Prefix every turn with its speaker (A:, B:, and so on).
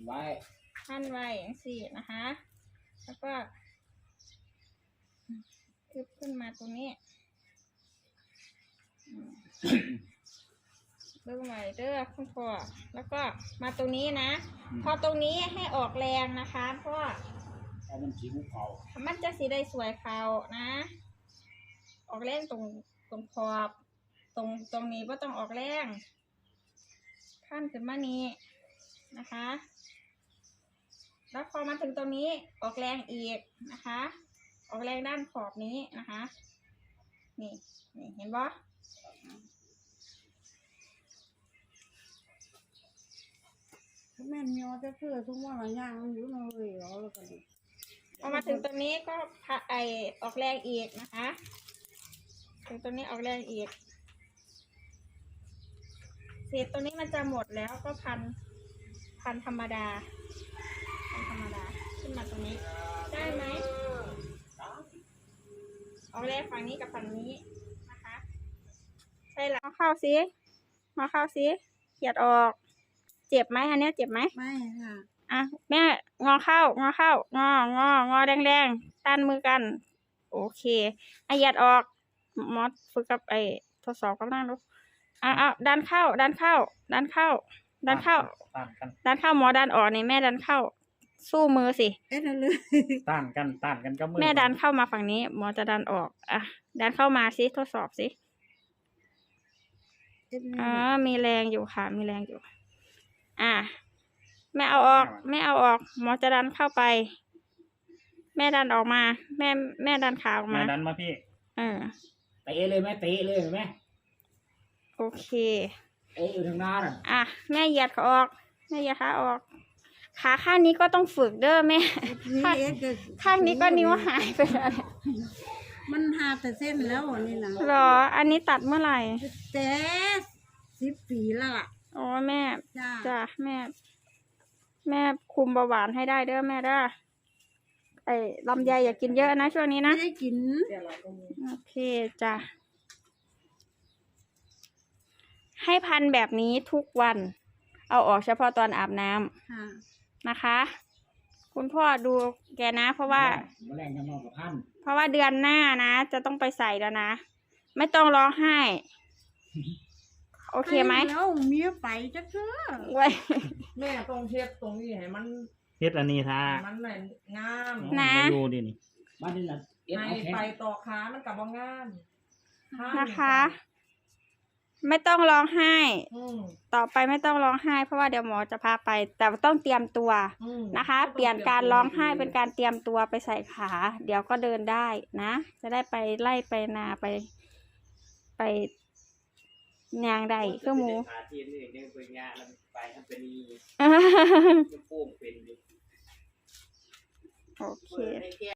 A: ไว้
B: พันไว้อย่างสี่นะคะแล้วก็ขึ้นมาตรงนี้เบิ่งไว้เด้อคุณพ่อแล้วก็มาตรงนี้นะพอตรงนี้ให้ออกแรงนะคะเพราะ
A: มันสีเขา
B: มันจะสีได้สวยเขานะออกแรงตรงขอบตรงนี้ก็ต้องออกแรงขั้นขึ้นมานี้นะคะแล้วพอมาถึงตรงนี้ออกแรงอีกนะคะออกแรงด้านขอบนี้นะคะนี่เห็นปะ
C: แม่ยอจะเพื่อทุกวันย่างอยู่เลยเหรอแล้วกัน
B: พอมาถึงตรงนี้ก็ออกแรงอีกนะคะถึงตรงนี้ออกแรงอีกเศษตัวนี้มันจะหมดแล้วก็พันธรรมดาขึ้นมาตรงนี้ได้ไหมออกแรงฝั่งนี้กับฝั่งนี้นะคะใช่แล้วเข้าซิเขียดออกเจ็บไหมอันนี้เจ็บไหม
C: ไม่ค่ะ
B: อ่ะแม่งอเข้างอแดงต้านมือกันโอเคเหยียดออกมอสฝึกกับทดสอบกับนั่งดูดันเข้าหมอดันออกนี่แม่ดันเข้าสู้มือสิ
C: นั่นเลย
A: ต้านกันก็มือ
B: แม่ดันเข้ามาฝั่งนี้หมอจะดันออกดันเข้ามาสิทดสอบสิมีแรงอยู่ค่ะมีแรงอยู่แม่เอาออกหมอจะดันเข้าไปแม่ดันออกมาแม่ดันขาออกมา
A: ดันมาพี่เตะเลยแม่เตะเลยแม่
B: โอเค
A: อยู่ทางหน้า
B: แม่เหยียดขาออกแม่เหยียดขาออกขาข้างนี้ก็ต้องฝึกเด้อแม่ข้างนี้ก็นิ้วหายไปแล้ว
C: มันหาแต่เส้นแล้วนี่นะ
B: หรออันนี้ตัดเมื่อไหร่
C: แต่10 ปีแล้วล่ะ
B: อ๋อแม่จ้ะแม่คุมเบาหวานให้ได้เด้อแม่เด้อลำไยอย่ากินเยอะนะช่วงนี้นะ
C: ไม่ได้กิน
B: โอเคจ้ะให้พันแบบนี้ทุกวันเอาออกเฉพาะตอนอาบน้ำนะคะคุณพ่อดูแกนะเพราะว่าเดือนหน้านะจะต้องไปใส่แล้วนะไม่ต้องร้องไห้โอเคไหม
C: แล้วเมียไปจะเชื่อ
B: ไว้
D: แม่ต้องเทียบตรงนี้ให้มัน
A: เฮ็ดอันนี้ท่า
D: มันไหนงาม
B: นะ
A: ดูดินี่บ้านนี่นะ
D: ไปต่อขามันกับว่างาม
B: นะคะไม่ต้องร้องไห้ต่อไปไม่ต้องร้องไห้เพราะว่าเดี๋ยวหมอจะพาไปแต่ต้องเตรียมตัวนะคะเปลี่ยนการร้องไห้เป็นการเตรียมตัวไปใส่ขาเดี๋ยวก็เดินได้นะจะได้ไปไล่ไปนาไปยางได้เครื่องมือโอเค